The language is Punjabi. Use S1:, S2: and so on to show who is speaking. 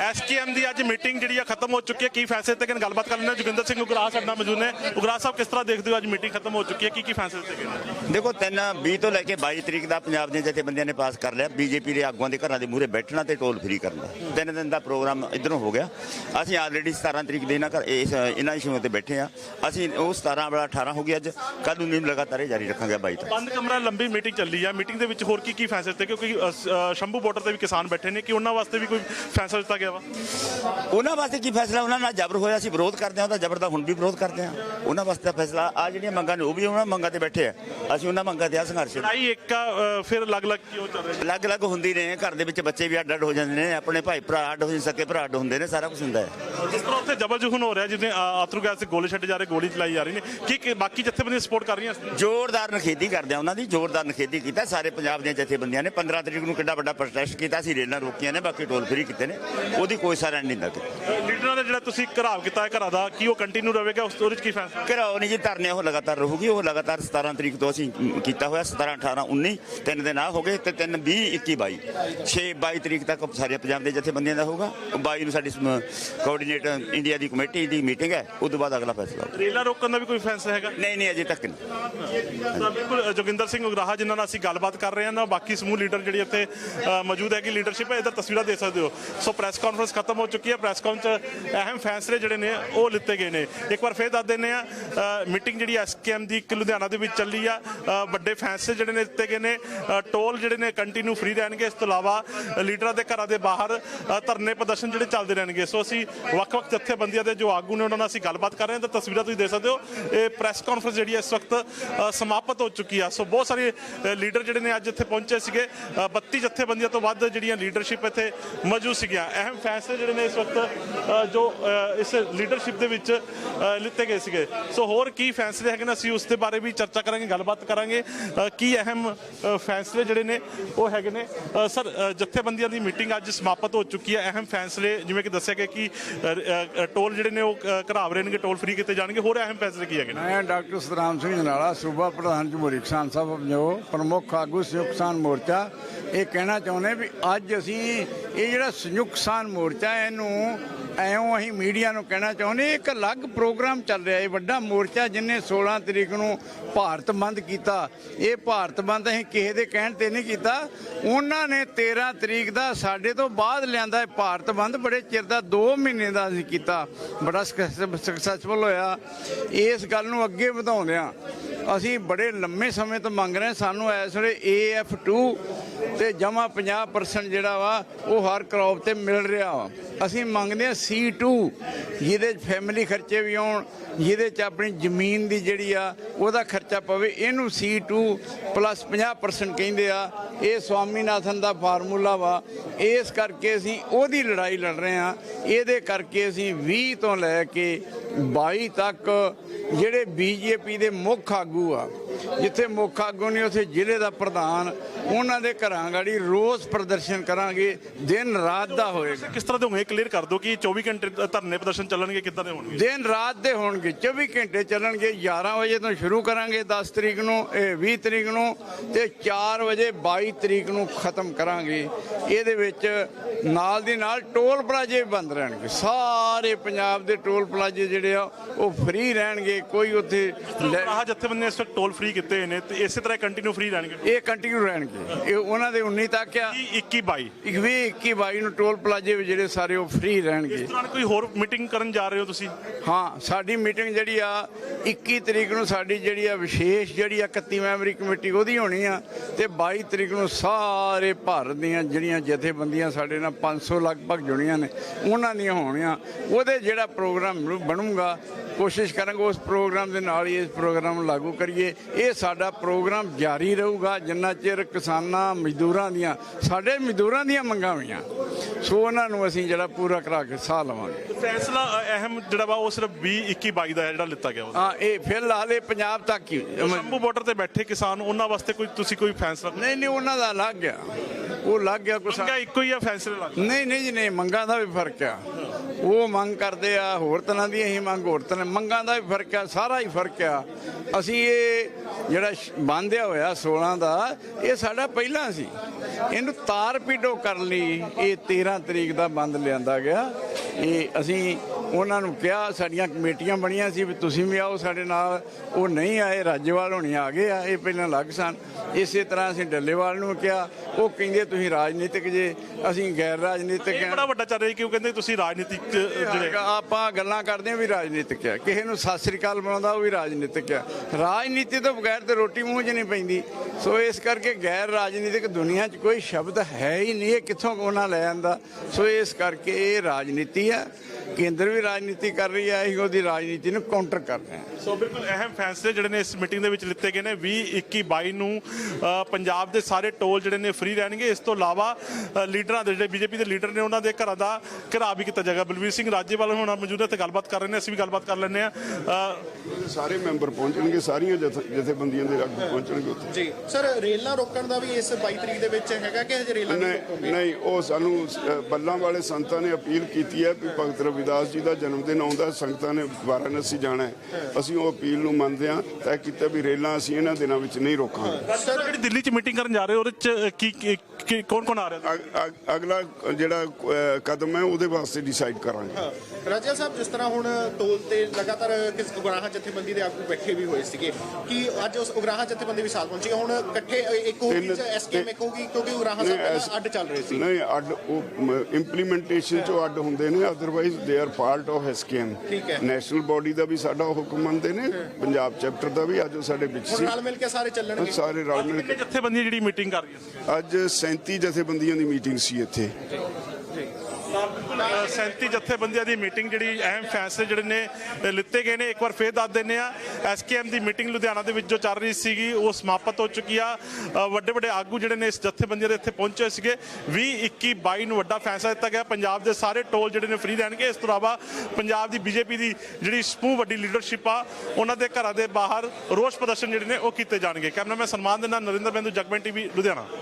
S1: SKM ਦੀ ਅੱਜ ਮੀਟਿੰਗ ਜਿਹੜੀ ਆ ਖਤਮ ਹੋ ਚੁੱਕੀ ਹੈ। ਕੀ ਫੈਸਲੇ ਤੇ ਕਿਨ ਗੱਲਬਾਤ ਕਰ ਲੈਣਾ। ਜੋਗਿੰਦਰ ਸਿੰਘ ਉਗਰਾਹ ਸਾਡੇ ਨਾਲ ਮੌਜੂਦ ਨੇ। ਉਗਰਾਹ ਸਾਹਿਬ, ਕਿਸ ਤਰ੍ਹਾਂ ਦੇਖਦੇ ਹੋ ਅੱਜ ਮੀਟਿੰਗ ਖਤਮ ਹੋ ਚੁੱਕੀ ਹੈ, ਕੀ ਫੈਸਲੇ ਤੇ ਕਿਨ?
S2: ਦੇਖੋ 3/20 ਤੋਂ ਲੈ ਕੇ 22 ਤਰੀਕ ਦਾ ਪੰਜਾਬ ਦੀਆਂ ਜਥੇਬੰਦੀਆਂ ਨੇ ਪਾਸ ਕਰ ਲਿਆ ਬੀਜੇਪੀ ਦੇ ਆਗੂਆਂ ਦੇ ਘਰਾਂ ਦੇ ਮੂਹਰੇ ਬੈਠਣਾ ਤੇ ਟੋਲ ਫ੍ਰੀ ਕਰਨਾ। 3 ਦਿਨ ਦਾ ਪ੍ਰੋਗਰਾਮ ਇੱਧਰੋਂ ਹੋ ਗਿਆ। ਅਸੀਂ ਆਲਰੇਡੀ 17 ਤਰੀਕ ਦੇ ਇਹਨਾਂ ਇਸ਼ੂਆਂ ਤੇ ਬੈਠੇ ਆ। ਅਸੀਂ ਉਹ 17 ਵਾਲਾ 18 ਹੋ ਗਿਆ ਅੱਜ। ਕੱਲ੍ਹ ਨੂੰ ਲਗਾਤਾਰ ਇਹ ਜਾਰੀ ਰੱਖਾਂਗੇ 22 ਤੱਕ।
S1: ਬੰਦ ਕਮਰਾ ਲੰਬੀ ਮੀਟਿੰਗ ਚੱਲੀ ਆ। ਮੀਟਿੰਗ ਦੇ ਵਿੱਚ ਹੋਰ ਕੀ ਫੈਸਲੇ ਤੇ, ਕਿਉਂਕਿ ਸ਼ੰਭੂ ਬਾਰਡਰ ਤੇ ਵੀ ਕਿਸਾਨ ਬੈਠੇ ਨੇ, ਕਿ ਉਹਨਾਂ ਵਾਸਤੇ ਵੀ ਕੋਈ ਫੈਸਲਾ ਦਿੱਤਾ ਗਿਆ ਵਾ?
S2: ਉਹਨਾਂ ਵਾਸਤੇ ਕੀ ਫੈਸਲਾ? ਉਹਨਾਂ ਨਾਲ ਜਬਰ ਹੋਇਆ, ਅਸੀਂ ਵਿਰੋਧ ਕਰਦੇ ਹਾਂ। ਉਹਦਾ ਜਬਰ ਦਾ ਹੁਣ ਵੀ ਵਿਰੋਧ ਕਰਦੇ ਹਾਂ। ਉਹਨਾਂ ਵਾਸਤੇ ਫੈਸਲਾ ਆ ਜਿਹੜੀਆਂ ਮੰਗਾਂ ਨੇ ਉਹ ਵੀ ਉਹਨਾਂ ਮੰਗਾਂ ਤੇ ਬੈਠੇ ਆ। ਅਸੀਂ ਉਹਨਾਂ ਮੰਗਾਂ ਤੇ ਆ ਸੰਘਰਸ਼।
S1: ਲੜਾਈ ਇੱਕ ਫਿਰ ਅਲੱਗ-ਅਲੱਗ ਕਿਉਂ ਚੱਲ ਰਹੀ?
S2: ਅਲੱਗ-ਅਲੱਗ ਹੁੰਦੀ ਨੇ। ਘਰ ਦੇ ਵਿੱਚ ਬੱਚੇ ਵੀ ਅੱਡ-ਅੱਡ ਹੋ ਜਾਂਦੇ ਨੇ, ਆਪਣੇ ਭਾਈ ਭਰਾ ਅੱਡ ਹੋ ਜਾਂਦੇ, ਸਕੇ ਭਰਾ ਅੱਡ ਹੁੰਦੇ ਨੇ, ਸਾਰਾ ਕੁਝ ਹੁੰਦਾ ਹੈ।
S1: ਜਿਸ ਤਰ੍ਹਾਂ ਉੱਥੇ ਜਬਰ ਜੁਖਨ ਹੋ ਰਿਹਾ, ਜਿਵੇਂ ਆਤਰੂ ਗੈਸ ਦੇ ਗੋਲੇ ਛੱਡੇ ਜਾ ਰਹੇ, ਗੋਲੀ ਚਲਾਈ ਜਾ ਰਹੀ ਨੇ, ਕਿ ਬਾਕੀ ਜਥੇਬੰਦੀਆਂ ਸਪੋਰਟ ਕਰ ਰਹੀਆਂ?
S2: ਜ਼ੋਰਦਾਰ ਨਿਖੇਧੀ ਕਰਦੇ ਆ ਉਹਨਾਂ ਦੀ, ਜ਼ੋਰਦਾਰ ਨਿਖੇਧੀ ਕੀਤਾ ਸਾਰੇ ਪੰਜਾਬ ਦੀਆਂ ਜਥੇਬੰਦੀਆਂ ਨੇ। 15 ਤਰੀਕ ਨੂੰ ਕਿੰਨਾ ਵੱਡਾ ਪ੍ਰੋਟੈਸਟ ਕੀਤਾ ਸੀ, ਰੇਲਾਂ ਰੋਕੀਆਂ ਨੇ, ਬਾਕੀ ਟੋਲ ਫ੍ਰੀ ਕੀਤੇ ਨੇ। ਉਹਦੀ ਕੋਈ ਸਾਰਾ ਨਹੀਂ ਦਿੰਦਾ।
S1: ਲੀਡਰਾਂ ਦਾ ਜਿਹੜਾ ਤੁਸੀਂ ਘਰਾਵ ਕੀਤਾ ਹੈ ਘਰਾਂ ਦਾ, ਕੀ ਉਹ ਕੰਟੀਨਿਊ ਰਹੇਗਾ? ਉਹਦੇ ਵਿੱਚ ਕੀ ਫੈਸਲਾ?
S2: ਘਰਾਓ ਨਹੀਂ ਜੀ, ਧਰਨੇ ਉਹ ਲਗਾਤਾਰ ਰਹੂਗੀ। ਉਹ ਲਗਾਤਾਰ 17 ਤਰੀਕ ਤੋਂ ਅਸੀਂ ਕੀਤਾ ਹੋਇਆ। 17, 18, 19 3 ਦਿਨ ਆ ਹੋ ਗਏ ਤੇ 3, 20, 21, 22 22 ਤਰੀਕ ਤੱਕ ਸਾਰੇ ਪੰਜਾਬ ਦੇ ਜਥੇਬੰਦੀਆਂ ਦਾ ਹੋਊਗਾ। 22 ਨੂੰ ਸਾਡੀ ਕੋਆਰਡੀਨੇਟ ਇੰਡੀਆ ਦੀ ਕਮੇਟੀ ਦੀ ਮੀਟਿੰਗ ਹੈ। ਉਸ ਤੋਂ ਬਾਅਦ ਅਗਲਾ ਫੈਸਲਾ ਹੋਊਗਾ।
S1: ਰੇਲਾਂ ਰੋਕਣ ਦਾ ਵੀ ਕੋਈ ਫੈਸਲਾ ਹੈਗਾ?
S2: ਨਹੀਂ ਅਜੇ ਤੱਕ ਨਹੀਂ।
S1: ਤਾਂ ਬਿਲਕੁਲ ਜੋਗਿੰਦਰ ਸਿੰਘ ਉਗਰਾਹਾ ਜਿਨ੍ਹਾਂ ਨਾਲ ਅਸੀਂ ਗੱਲਬਾਤ ਕਰ ਰਹੇ ਹਾਂ ਨਾ, ਬਾਕੀ ਸਮੂਹ ਲੀਡਰ ਜਿਹੜੀ ਇੱਥੇ ਮੌਜੂਦ ਹੈਗੀ ਲੀਡਰਸ਼ਿਪ ਹੈ, ਇੱਧਰ ਤਸਵੀਰਾਂ ਦੇਖ ਸਕਦੇ ਹੋ। ਸੋ ਪ੍ਰੈਸ ਕਾਨਫਰੰਸ ਖਤਮ ਹੋ ਚੁੱਕੀ ਹੈ। ਪ੍ਰੈਸ ਕਾਨਫਰੰਸ 'ਚ ਅਹਿਮ ਫੈਸਲੇ ਜਿਹੜੇ ਨੇ ਉਹ ਲਿੱਤੇ ਗਏ ਨੇ। ਇੱਕ ਵਾਰ ਫੇਰ ਦੱਸ ਦਿੰਦੇ ਆ, ਮੀਟਿੰਗ ਜਿਹੜੀ SKM ਦੀ ਇੱਕ ਲੁਧਿਆਣਾ ਦੇ ਵਿੱਚ ਚੱਲੀ ਆ। ਵੱਡੇ ਫੈਸਲੇ ਜਿਹੜੇ ਨੇ ਦਿੱਤੇ ਗਏ ਨੇ। ਟੋਲ ਜਿਹੜੇ ਨੇ ਕੰਟੀਨਿਊ ਫ੍ਰੀ ਰਹਿਣਗੇ। ਇਸ ਤੋਂ ਇਲਾਵਾ ਲੀਡਰਾਂ ਦੇ ਘਰਾਂ ਦੇ ਬਾਹਰ ਧਰਨੇ ਪ੍ਰਦਰਸ਼ਨ ਜਿਹੜੇ ਚੱਲਦੇ ਰਹਿਣਗੇ। ਸੋ ਅਸੀਂ ਵੱਖ-ਵੱਖ ਜਥੇਬੰਦੀਆਂ ਦੇ ਜੋ ਆਗੂ ਨੇ ਉਹਨਾਂ ਨਾਲ ਅਸੀਂ ਗੱਲਬਾਤ ਕਰ ਰਹੇ ਹਾਂ। ਤਾਂ ਤਸਵੀਰਾਂ ਤੁਸੀਂ ਦੇਖ ਸਕਦੇ ਹੋ। ਇਹ ਪ੍ਰੈਸ ਕਾਨਫਰੰਸ ਜਿਹੜੀ ਹੈ ਇਸ ਵਕਤ ਸਮਾਪਤ ਹੋ ਚੁੱਕੀ ਆ। ਸੋ ਬਹੁਤ ਸਾਰੇ ਲੀਡਰ ਜਿਹੜੇ ਨੇ ਅੱਜ ਇੱਥੇ ਪਹੁੰਚੇ ਸੀਗੇ। 32 ਜਥੇਬੰਦੀਆਂ ਤੋਂ ਵੱਧ ਜਿਹੜੀਆਂ ਲੀਡਰਸ਼ਿਪ ਇੱਥੇ ਮੌਜੂਦ ਸੀਗੀਆਂ। ਅਹਿਮ ਫੈਸਲੇ ਜਿਹੜੇ ਨੇ ਇਸ ਵਕਤ ਜੋ ਇਸ ਲੀਡਰਸ਼ਿਪ ਦੇ ਵਿੱਚ ਲਿੱਤੇ ਗਏ ਸੀਗੇ। ਸੋ ਹੋਰ ਕੀ ਫੈਸਲੇ ਹੈਗੇ ਨੇ, ਅਸੀਂ ਉਸ ਦੇ ਬਾਰੇ ਵੀ ਚਰਚਾ ਕਰਾਂਗੇ, ਗੱਲਬਾਤ ਕਰਾਂਗੇ। ਕੀ ਅਹਿਮ ਫੈਸਲੇ ਜਿਹੜੇ ਨੇ ਉਹ ਹੈਗੇ ਨੇ। ਸਰ, ਜਥੇਬੰਦੀਆਂ ਦੀ ਮੀਟਿੰਗ ਅੱਜ ਸਮਾਪਤ ਹੋ ਚੁੱਕੀ ਹੈ। ਅਹਿਮ ਫੈਸਲੇ ਜਿਵੇਂ ਕਿ ਦੱਸਿਆ ਗਿਆ ਕਿ ਟੋਲ ਜਿਹੜੇ ਨੇ ਉਹ ਘਰਾਵ ਰਹਿਣਗੇ, ਟੋਲ ਫ੍ਰੀ ਕੀਤੇ ਜਾਣਗੇ। ਹੋਰ ਅਹਿਮ ਫੈਸਲੇ ਕੀ ਹੈਗੇ ਨੇ?
S3: ਮੈਂ ਡਾਕਟਰ ਸਤਰਾਮ ਸਿੰਘ ਜਨਾਲਾ, ਸੂਬਾ ਪ੍ਰਧਾਨ ਜਮਹੂਰੀ ਕਿਸਾਨ ਸਭਾ ਪੰਜਾਬ, ਪ੍ਰਮੁੱਖ ਆਗੂ ਸੰਯੁਕਤ ਕਿਸਾਨ ਮੋਰਚਾ, ਇਹ ਕਹਿਣਾ ਚਾਹੁੰਦੇ ਵੀ ਅੱਜ ਅਸੀਂ ਇਹ ਜਿਹੜਾ ਸੰਯੁਕਤ ਕਿਸਾਨ ਮੋਰਚਾ ਇਹਨੂੰ ਐਉਂ ਅਸੀਂ ਮੀਡੀਆ ਨੂੰ ਕਹਿਣਾ ਚਾਹੁੰਦੇ, ਇੱਕ ਅਲੱਗ ਪ੍ਰੋਗਰਾਮ ਚੱਲ ਰਿਹਾ। ਇਹ ਵੱਡਾ ਮੋਰਚਾ ਜਿਹਨੇ 16 ਤਰੀਕ ਨੂੰ ਭਾਰਤ ਬੰਦ ਕੀਤਾ। ਇਹ ਭਾਰਤ ਬੰਦ ਅਸੀਂ ਕਿਸੇ ਦੇ ਕਹਿਣ ਤੇ ਨਹੀਂ ਕੀਤਾ। ਉਹਨਾਂ ਨੇ 13 ਤਰੀਕ ਦਾ ਸਾਡੇ ਤੋਂ ਬਾਅਦ ਲਿਆਂਦਾ ਇਹ ਭਾਰਤ ਬੰਦ। ਬੜੇ ਚਿਰ ਦਾ 2 ਮਹੀਨੇ ਦਾ ਅਸੀਂ ਕੀਤਾ, ਬੜਾ ਸਕਸੈਸਫੁਲ ਹੋਇਆ। ਇਸ ਗੱਲ ਨੂੰ ਅੱਗੇ ਵਧਾਉਂਦਿਆਂ ਅਸੀਂ ਬੜੇ ਲੰਮੇ ਸਮੇਂ ਤੋਂ ਮੰਗ ਰਹੇ। ਸਾਨੂੰ ਇਸ ਵੇਲੇ AF2 ਤੇ ਜਮਾ 50% ਜਿਹੜਾ ਵਾ ਉਹ ਹਰ ਕ੍ਰੌਪ ਤੇ ਮਿਲ ਰਿਹਾ ਵਾ। ਅਸੀਂ ਮੰਗਦੇ ਹਾਂ C2, ਜਿਹਦੇ 'ਚ ਫੈਮਿਲੀ ਖਰਚੇ ਵੀ ਆਉਣ, ਜਿਹਦੇ 'ਚ ਆਪਣੀ ਜ਼ਮੀਨ ਦੀ ਜਿਹੜੀ ਆ ਉਹਦਾ ਖਰਚਾ ਪਵੇ। ਇਹਨੂੰ C2 ਪਲੱਸ 50% ਕਹਿੰਦੇ ਆ। ਇਹ ਸਵਾਮੀਨਾਥਨ ਦਾ ਫਾਰਮੂਲਾ ਵਾ। ਇਸ ਕਰਕੇ ਅਸੀਂ ਉਹਦੀ ਲੜਾਈ ਲੜ ਰਹੇ ਹਾਂ। ਇਹਦੇ ਕਰਕੇ ਅਸੀਂ 20 ਤੋਂ ਲੈ ਕੇ 22 ਤੱਕ ਜਿਹੜੇ BJP ਦੇ ਮੁੱਖ ਆਗੂ ਆ, ਜਿੱਥੇ ਮੁੱਖ ਆਗੂ ਨਹੀਂ ਉੱਥੇ ਜ਼ਿਲ੍ਹੇ ਦਾ ਪ੍ਰਧਾਨ, ਉਹਨਾਂ ਦੇ ਘਰਾਂ ਗਾੜੀ ਰੋਜ਼ ਪ੍ਰਦਰਸ਼ਨ ਕਰਾਂਗੇ। ਦਿਨ ਰਾਤ ਦਾ ਹੋਏਗਾ।
S1: ਕਿਸ ਤਰ੍ਹਾਂ ਦੇ ਹੋਣਗੇ ਕਲੀਅਰ ਕਰ ਦਿਓ ਕਿ 24 ਘੰਟੇ ਧਰਨੇ ਪ੍ਰਦਰਸ਼ਨ ਚੱਲਣਗੇ, ਕਿੱਦਾਂ ਦੇ ਹੋਣਗੇ?
S3: ਦਿਨ ਰਾਤ ਦੇ ਹੋਣਗੇ, 24 ਘੰਟੇ ਚੱਲਣਗੇ। 11 ਵਜੇ ਤੋਂ ਸ਼ੁਰੂ ਕਰਾਂਗੇ 10 ਤਰੀਕ ਨੂੰ, 20 ਤਰੀਕ ਨੂੰ, ਤੇ 4 ਵਜੇ 22 ਤਰੀਕ ਨੂੰ ਖਤਮ ਕਰਾਂਗੇ। ਇਹਦੇ ਵਿੱਚ ਨਾਲ ਦੀ ਨਾਲ ਟੋਲ ਪਲਾਜ਼ੇ ਵੀ ਬੰਦ ਰਹਿਣਗੇ। ਸਾਰੇ ਪੰਜਾਬ ਦੇ ਟੋਲ ਪਲਾਜ਼ੇ ਜਿਹੜੇ ਆ ਉਹ ਫ੍ਰੀ ਰਹਿਣਗੇ। ਕੋਈ ਉੱਥੇ
S1: ਆਹ ਜਥੇਬੰਦੀਆਂ ਇਸ ਵਕਤ ਟੋਲ ਫ੍ਰੀ ਕੀਤੇ ਨੇ ਤੇ ਇਸੇ ਤਰ੍ਹਾਂ ਕੰਟੀਨਿਊ ਫ੍ਰੀ ਰਹਿਣਗੇ।
S3: ਇਹ ਕੰਟੀਨਿਊ ਰਹਿਣਗੇ। ਇਹ ਉਹਨਾਂ ਦੇ 19 ਤੱਕ ਆ।
S1: 21, 22
S3: 21, 22 ਨੂੰ ਟੋਲ ਪਲਾਜ਼ੇ ਵੀ ਜਿਹੜੇ ਸਾਰੇ ਉਹ ਫ੍ਰੀ ਰਹਿਣਗੇ।
S1: ਇਸ ਤਰ੍ਹਾਂ ਕੋਈ ਹੋਰ ਮੀਟਿੰਗ ਕਰਨ ਜਾ ਰਹੇ ਹੋ ਤੁਸੀਂ?
S3: ਹਾਂ, ਸਾਡੀ ਮੀਟਿੰਗ ਜਿਹੜੀ ਆ 21 ਤਰੀਕ ਨੂੰ ਸਾਡੀ ਜਿਹੜੀ ਆ ਵਿਸ਼ੇਸ਼ ਜਿਹੜੀ ਆ 31 ਮੈਂਬਰੀ ਕਮੇਟੀ ਉਹਦੀ ਹੋਣੀ ਆ। ਤੇ 22 ਤਰੀਕ ਨੂੰ ਸਾਰੇ ਭਾਰਤ ਦੀਆਂ ਜਿਹੜੀਆਂ ਜਥੇਬੰਦੀਆਂ ਸਾਡੇ ਨਾਲ 500 ਲਗਭਗ ਜੁੜੀਆਂ ਨੇ ਉਹਨਾਂ ਦੀਆਂ ਹੋਣੀਆਂ। ਉਹਦੇ ਜਿਹੜਾ ਪ੍ਰੋਗਰਾਮ ਬਣੂਗਾ, ਕੋਸ਼ਿਸ਼ ਕਰਾਂਗੇ ਉਸ ਪ੍ਰੋਗਰਾਮ ਦੇ ਨਾਲ ਹੀ ਇਸ ਪ੍ਰੋਗਰਾਮ ਨੂੰ ਲਾਗੂ ਕਰੀਏ। ਇਹ ਸਾਡਾ ਪ੍ਰੋਗਰਾਮ ਜਾਰੀ ਰਹੂਗਾ ਜਿੰਨਾ ਚਿਰ ਕਿਸਾਨਾਂ, ਮਜ਼ਦੂਰਾਂ ਦੀਆਂ, ਸਾਡੇ ਮਜ਼ਦੂਰਾਂ ਦੀਆਂ ਮੰਗਾਂ ਹੋਈਆਂ। ਸੋ ਉਹਨਾਂ ਨੂੰ ਅਸੀਂ ਜਿਹੜਾ ਪੂਰਾ ਕਰਾ ਕੇ ਸਾਹ ਲਵਾਂਗੇ।
S1: ਫੈਸਲਾ ਅਹਿਮ ਜਿਹੜਾ ਵਾ ਉਹ ਸਿਰਫ 20, 21, 22 ਦਾ ਜਿਹੜਾ ਲਿੱਤਾ ਗਿਆ।
S3: ਹਾਂ, ਇਹ ਫਿਲਹਾਲ ਇਹ ਪੰਜਾਬ ਤੱਕ ਹੀ।
S1: ਸ਼ੰਭੂ ਬਾਰਡਰ ਤੇ ਬੈਠੇ ਕਿਸਾਨ, ਉਹਨਾਂ ਵਾਸਤੇ ਕੋਈ ਤੁਸੀਂ ਕੋਈ ਫੈਸਲਾ?
S3: ਨਹੀਂ, ਉਹਨਾਂ ਦਾ ਲੱਗ ਗਿਆ, ਉਹ ਲੱਗ ਗਿਆ। ਕੁਛ
S1: ਇੱਕੋ ਹੀ ਆ ਫੈਸਲੇ ਲੱਗ?
S3: ਨਹੀਂ ਜੀ, ਨਹੀਂ, ਮੰਗਾਂ ਦਾ ਵੀ ਫਰਕ ਆ। ਉਹ ਮੰਗ ਕਰਦੇ ਆ ਹੋਰ ਤਰ੍ਹਾਂ ਦੀ, ਅਸੀਂ ਮੰਗ ਹੋਰ ਤਰ੍ਹਾਂ। ਮੰਗਾਂ ਦਾ ਵੀ ਫਰਕ ਆ, ਸਾਰਾ ਹੀ ਫਰਕ ਆ। ਅਸੀਂ ਇਹ ਜਿਹੜਾ ਬੰਦਿਆ ਹੋਇਆ 16 ਦਾ, ਇਹ ਸਾਡਾ ਪਹਿਲਾਂ ਸੀ। ਇਹਨੂੰ ਤਾਰ ਪੀਡੋ ਕਰਨ ਲਈ ਇਹ 13 ਤਰੀਕ ਦਾ ਬੰਦ ਲਿਆਂਦਾ ਗਿਆ। ਇਹ ਅਸੀਂ ਉਹਨਾਂ ਨੂੰ ਕਿਹਾ, ਸਾਡੀਆਂ ਕਮੇਟੀਆਂ ਬਣੀਆਂ ਸੀ ਵੀ ਤੁਸੀਂ ਵੀ ਆਓ ਸਾਡੇ ਨਾਲ, ਉਹ ਨਹੀਂ ਆਏ। ਰਾਜੇਵਾਲ ਹੋਣੀ ਆ ਗਏ ਆ, ਇਹ ਪਹਿਲਾਂ ਅਲੱਗ ਸਨ। ਇਸੇ ਤਰ੍ਹਾਂ ਅਸੀਂ ਡੱਲੇਵਾਲ ਨੂੰ ਕਿਹਾ, ਉਹ ਕਹਿੰਦੇ ਤੁਸੀਂ ਰਾਜਨੀਤਿਕ ਜੇ, ਅਸੀਂ ਗੈਰ ਰਾਜਨੀਤਿਕ
S1: ਇਹ
S3: ਹਾਂ।
S1: ਬੜਾ ਵੱਡਾ ਚੱਲ ਰਿਹਾ ਕਿ ਉਹ ਕਹਿੰਦੇ ਤੁਸੀਂ ਰਾਜਨੀਤਿਕ ਜਿਹੜੇ
S3: ਆਪਾਂ ਗੱਲਾਂ ਕਰਦੇ ਹਾਂ ਵੀ ਰਾਜਨੀਤਿਕ ਹੈ, ਕਿਸੇ ਨੂੰ ਸਤਿ ਸ੍ਰੀ ਅਕਾਲ ਬੁਲਾਉਂਦਾ ਉਹ ਵੀ ਰਾਜਨੀਤਿਕ ਹੈ। ਰਾਜਨੀਤੀ ਤੋਂ ਬਗੈਰ ਤੇ ਰੋਟੀ ਮੂੰਹ 'ਚ ਨਹੀਂ ਪੈਂਦੀ। ਸੋ ਇਸ ਕਰਕੇ ਗੈਰ ਰਾਜਨੀਤਿਕ ਦੁਨੀਆ 'ਚ ਕੋਈ ਸ਼ਬਦ ਹੈ ਹੀ ਨਹੀਂ, ਇਹ ਕਿੱਥੋਂ ਉਹਨਾਂ ਲੈ ਆਂਦਾ। ਸੋ ਇਸ ਕਰਕੇ ਇਹ ਰਾਜਨੀਤੀ ਹੈ, ਕੇਂਦਰ ਵੀ ਰਾਜਨੀਤੀ ਕਰ ਰਹੀ ਹੈ, ਅਸੀਂ ਉਹਦੀ ਰਾਜਨੀਤੀ ਨੂੰ ਕਾਊਂਟਰ ਕਰ ਰਹੇ ਹਾਂ।
S1: ਸੋ ਬਿਲਕੁਲ ਅਹਿਮ ਫੈਸਲੇ ਜਿਹੜੇ ਨੇ ਇਸ ਮੀਟਿੰਗ ਦੇ ਵਿੱਚ ਲਿੱਤੇ ਗਏ ਨੇ। 20, 21, 22 ਨੂੰ ਪੰਜਾਬ ਦੇ ਸਾਰੇ ਟੋਲ ਜਿਹੜੇ ਨੇ ਫ੍ਰੀ ਰਹਿਣਗੇ। ਇਸ ਤੋਂ ਇਲਾਵਾ ਲੀਡਰਾਂ ਦੇ ਜਿਹੜੇ ਬੀਜੇਪੀ ਦੇ ਲੀਡਰ ਨੇ ਉਹਨਾਂ ਦੇ ਘਰਾਂ ਦਾ ਘਿਰਾਓ ਵੀ ਕੀਤਾ ਜਾਏਗਾ। ਬਲਵੀਰ ਸਿੰਘ ਰਾਜੇਵਾਲ ਹੁਣ ਮੌਜੂਦ ਹੈ ਤੇ ਗੱਲਬਾਤ ਕਰ ਰਹੇ ਨੇ, ਅਸੀਂ ਵੀ ਗੱਲਬਾਤ ਕਰ ਲੈਂਦੇ ਹਾਂ।
S4: ਸਾਰੇ ਮੈਂਬਰ ਪਹੁੰਚਣਗੇ, ਸਾਰੀਆਂ ਜਥੇਬੰਦੀਆਂ ਦੇ ਆਗੂ ਪਹੁੰਚਣਗੇ ਉੱਥੇ।
S5: ਜੀ ਸਰ, ਰੇਲਾਂ ਰੋਕਣ ਦਾ ਵੀ ਇਸ 22 ਤਰੀਕ ਦੇ ਵਿੱਚ ਹੈਗਾ ਕਿ ਹਜੇ ਰੇਲਾਂ ਨਹੀਂ ਰੋਕੋਗੇ?
S4: ਨਹੀਂ, ਉਹ ਸਾਨੂੰ ਬੱਲਾਂ ਵਾਲੇ ਸੰਤਾਂ ਨੇ ਅਪੀਲ ਕੀਤੀ ਹੈ ਵੀ ਭਗਤ ਰਵਿਦਾਸ ਜੀ ਦਾ ਜਨਮ ਦਿਨ ਆਉਂਦਾ, ਸੰਗਤਾਂ ਨੇ ਵਾਰਾਣਸੀ ਜਾਣਾ ਹੈ। ਅਸੀਂ ਉਹ ਅਪੀਲ ਨੂੰ ਮੰਨਦੇ ਹਾਂ, ਤੈਅ ਕੀਤਾ ਵੀ ਰੇਲਾਂ ਅਸੀਂ ਇਹਨਾਂ ਦਿਨਾਂ ਵਿੱਚ ਨਹੀਂ ਰੋਕਾਂਗੇ।
S1: ਸਰ ਜਿਹੜੀ ਦਿੱਲੀ 'ਚ ਮੀਟਿੰਗ ਕਰਨ ਜਾ ਰਹੇ ਹੋ ਉਹਦੇ 'ਚ ਕੀ ਕੌਣ ਆ ਰਿਹਾ?
S4: ਅਗਲਾ ਜਿਹੜਾ ਕਦਮ ਹੈ ਉਹਦੇ ਵਾਸਤੇ ਡਿਸਾਈਡ ਕਰਾਂਗੇ।
S5: ਰਾਜਾ ਸਾਹਿਬ, ਜਿਸ ਤਰ੍ਹਾਂ ਹੁਣ ਟੋਲ ਤੇ ਲਗਾਤਾਰ ਕਿਸ ਉਗਰਾਹਾਂ ਜਥੇਬੰਦੀ ਦੇ ਆਗੂ ਬੈਠੇ ਵੀ ਹੋਏ ਸੀਗੇ ਕਿ ਅੱਜ ਉਸ ਉਗਰਾਹਾਂ ਜਥੇਬੰਦੀ ਵੀ ਸਾਥ ਪਹੁੰਚੀ, ਹੁਣ ਇਕੱਠੇ ਇੱਕ ਹੋਗੀ ਐਸਕੇਐਮ ਇੱਕ ਹੋਗੀ ਕਿਉਂਕਿ ਉਗਰਾਹਾਂ ਸਾਹਿਬ ਪਹਿਲਾਂ ਅੱਡ ਚੱਲ ਰਹੇ ਸੀ।
S4: ਨਹੀਂ, ਅੱਡ ਉਹ ਇੰਪਲੀਮੈਂਟੇਸ਼ਨ ਚੋਂ ਅੱਡ ਹੁੰਦੇ ਨੇ, otherwise they are part of SKM.
S5: ਠੀਕ ਹੈ।
S4: ਨੈਸ਼ਨਲ ਬਾਡੀ ਦਾ ਵੀ ਸਾਡਾ ਹੁਕਮ ਮੰਨਦੇ ਨੇ, ਪੰਜਾਬ ਚੈਪਟਰ ਦਾ ਵੀ ਅੱਜ ਉਹ ਸਾਡੇ ਵਿੱਚ
S5: ਹੁਣ
S4: ਸੀ।
S5: ਨਾਲ ਮਿਲ ਕੇ ਸਾਰੇ ਚੱਲਣਗੇ।
S4: ਸਾਰੇ ਰਲ ਮਿਲ ਕੇ
S1: ਜਥੇਬੰਦੀਆਂ ਜਿਹੜੀ ਮੀਟਿੰਗ ਕਰ ਰਹੀਆਂ ਸੀ
S4: ਅੱਜ 37 ਜਥੇਬੰਦੀਆਂ ਦੀ ਮੀਟਿੰਗ ਸੀ ਇੱਥੇ।
S1: 37 ਜਥੇਬੰਦੀਆਂ ਦੀ ਮੀਟਿੰਗ ਜਿਹੜੀ ਅਹਿਮ ਫੈਸਲੇ ਜਿਹੜੇ ਨੇ ਲਿੱਤੇ ਗਏ ਨੇ। ਇੱਕ ਵਾਰ ਫੇਰ ਦੱਸ ਦਿੰਦੇ ਆ, ਐਸਕੇਐਮ ਦੀ ਮੀਟਿੰਗ ਲੁਧਿਆਣਾ ਦੇ ਵਿੱਚ ਜੋ ਚੱਲ ਰਹੀ ਸੀਗੀ ਉਹ ਸਮਾਪਤ ਹੋ ਚੁੱਕੀ ਆ। ਵੱਡੇ ਵੱਡੇ ਆਗੂ ਜਿਹੜੇ ਨੇ ਇਸ ਜਥੇਬੰਦੀਆਂ ਦੇ ਇੱਥੇ ਪਹੁੰਚੇ ਸੀਗੇ। 20, 21, 22 ਨੂੰ ਵੱਡਾ ਫੈਸਲਾ ਦਿੱਤਾ ਗਿਆ, ਪੰਜਾਬ ਦੇ ਸਾਰੇ ਟੋਲ ਜਿਹੜੇ ਨੇ ਫ੍ਰੀ ਰਹਿਣਗੇ। ਇਸ ਤੋਂ ਇਲਾਵਾ ਪੰਜਾਬ ਦੀ ਬੀਜੇਪੀ ਦੀ ਜਿਹੜੀ ਸਮੂਹ ਵੱਡੀ ਲੀਡਰਸ਼ਿਪ ਆ, ਉਹਨਾਂ ਦੇ ਘਰਾਂ ਦੇ ਬਾਹਰ ਰੋਸ ਪ੍ਰਦਰਸ਼ਨ ਜਿਹੜੇ ਨੇ ਉਹ ਕੀਤੇ ਜਾਣਗੇ। ਕੈਮਰਾਮੈਨ ਸਨਮਾਨ ਦੇ ਨਾਲ ਨਰਿੰਦਰ ਬਿੰਦੂ, ਜਗਬਾਣੀ ਟੀਵੀ, ਲੁਧਿਆਣਾ।